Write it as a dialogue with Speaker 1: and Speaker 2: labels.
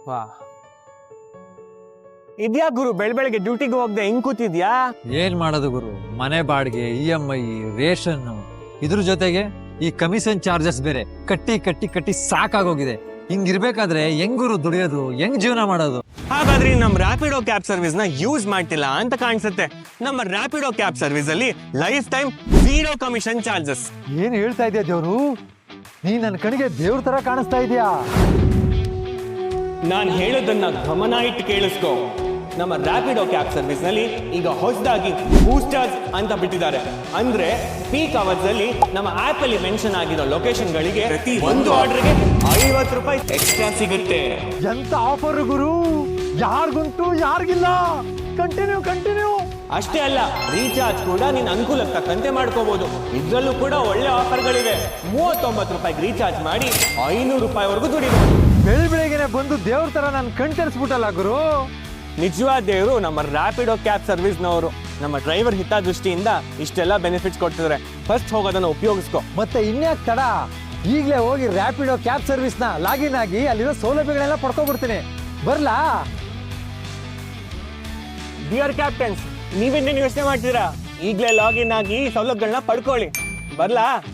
Speaker 1: ವಾ, ಇದ್ಯಾ ಗುರು ಬೆಳಗ್ಗೆ ಡ್ಯೂಟಿಗೆ ಹೋಗದೆ ಹೆಂಗ್ ಕೂತಿದ್ಯಾ?
Speaker 2: ಏನ್ ಮಾಡೋದು ಗುರು, ಮನೆ ಬಾಡಿಗೆ, EMI, ರೇಷನ್, ಇದ್ರ ಜೊತೆಗೆ ಈ ಕಮಿಷನ್ ಚಾರ್ಜಸ್ ಬೇರೆ ಕಟ್ಟಿ ಕಟ್ಟಿ ಕಟ್ಟಿ ಸಾಕಾಗೋಗಿದೆ. ಹಿಂಗಿರ್ಬೇಕಾದ್ರೆ ಹೆಂಗ್ ಗುರು ದುಡಿಯೋದು, ಹೆಂಗ್ ಜೀವನ ಮಾಡೋದು?
Speaker 1: ಹಾಗಾದ್ರೆ ನಮ್ ರ್ಯಾಪಿಡೋ ಕ್ಯಾಬ್ ಸರ್ವಿಸ್ ನ ಯೂಸ್ ಮಾಡ್ತಿಲ್ಲ ಅಂತ ಕಾಣಿಸುತ್ತೆ. ನಮ್ಮ ರ್ಯಾಪಿಡೋ ಕ್ಯಾಬ್ ಸರ್ವಿಸ್ ಅಲ್ಲಿ ಲೈಫ್ ಟೈಮ್ 0 ಕಮಿಷನ್ ಚಾರ್ಜಸ್.
Speaker 2: ಏನ್ ಹೇಳ್ತಾ ಇದೆಯಾ ದೇವ್ರು? ನೀ ನನ್ನ ಕಣಿಗೆ ದೇವ್ರ ತರ ಕಾಣಿಸ್ತಾ ಇದೆಯಾ?
Speaker 1: ನಾನ್ ಹೇಳೋದನ್ನ ಗಮನ ಇಟ್ಟು ಕೇಳಿಸ್ಕೊ. ನಮ್ಮ ರ್ಯಾಪಿಡೋ ಕ್ಯಾಬ್ ಸರ್ವಿಸ್ ನಲ್ಲಿ ಈಗ ಹೊಸದಾಗಿ ಬೂಸ್ಟರ್ಸ್ ಅಂತ ಬಿಟ್ಟಿದ್ದಾರೆ. ಅಂದ್ರೆ ಪೀಕ್ ಅವರ್ಸ್ ಅಲ್ಲಿ ನಮ್ಮ ಆಪ್ ಅಲ್ಲಿ ಮೆನ್ಷನ್ ಆಗಿರೋ ಲೊಕೇಶನ್ ಗಳಿಗೆ ಪ್ರತಿ ಒಂದು ಆರ್ಡರ್ಗೆ 50 ರೂಪಾಯಿ ಎಕ್ಸ್ಟ್ರಾ ಸಿಗುತ್ತೆ.
Speaker 2: ಎಂತ ಆಫರ್ ಗುರು, ಯಾರಿಗುಂಟು ಯಾರಿಗಿಲ್ಲ. ಕಂಟಿನ್ಯೂ.
Speaker 1: ಅಷ್ಟೇ ಅಲ್ಲ, ರೀಚಾರ್ಜ್ ಕೂಡ ನಿನ್ನ ಅನುಕೂಲಕ್ಕೆ ತಕ್ಕಂತೆ ಮಾಡ್ಕೋಬಹುದು. ಇದ್ರಲ್ಲೂ ಕೂಡ ಒಳ್ಳೆ ಆಫರ್ಗಳಿವೆ. 39 ರೂಪಾಯಿಗೆ ರೀಚಾರ್ಜ್ ಮಾಡಿ 500 ರೂಪಾಯಿವರೆಗೂ ದುಡಿಬಹುದು.
Speaker 2: ಬೆಳಿಗ್ಗೆನೆ ಬಂದು ದೇವ್ರ ತರ ನಾನು ಕಣ್ತರಿಸ್ಬಿಟ್ಟಲ್ಲ ಗುರು.
Speaker 1: ನಿಜವಾದ ದೇವರು ನಮ್ಮ ರ್ಯಾಪಿಡೋ ಕ್ಯಾಬ್ ಸರ್ವಿಸ್ನವರು. ನಮ್ಮ ಡ್ರೈವರ್ ಹಿತದೃಷ್ಟಿಯಿಂದ ಇಷ್ಟೆಲ್ಲ ಬೆನಿಫಿಟ್ಸ್ ಕೊಡ್ತಿದ್ದಾರೆ. ಫಸ್ಟ್ ಹೋಗೋದನ್ನ ಉಪಯೋಗಿಸ್ಕೊ.
Speaker 2: ಮತ್ತೆ ಇನ್ಯಾಕ್ ತಡ, ಈಗಲೇ ಹೋಗಿ ರ್ಯಾಪಿಡೋ ಕ್ಯಾಬ್ ಸರ್ವಿಸ್ ನ ಲಾಗಿನ್ ಆಗಿ ಅಲ್ಲಿರೋ ಸೌಲಭ್ಯಗಳೆಲ್ಲ ಪಡ್ಕೊಬಿಡ್ತೀನಿ. ಬರ್ಲಾ?
Speaker 1: ಡಿಯರ್ ಕ್ಯಾಪ್ಟನ್ಸ್, ನೀವೇನೇನು ಯೋಚನೆ ಮಾಡ್ತೀರಾ? ಈಗಲೇ ಲಾಗಿನ್ ಆಗಿ ಸೌಲಭ್ಯಗಳನ್ನ ಪಡ್ಕೊಳ್ಳಿ. ಬರ್ಲಾ?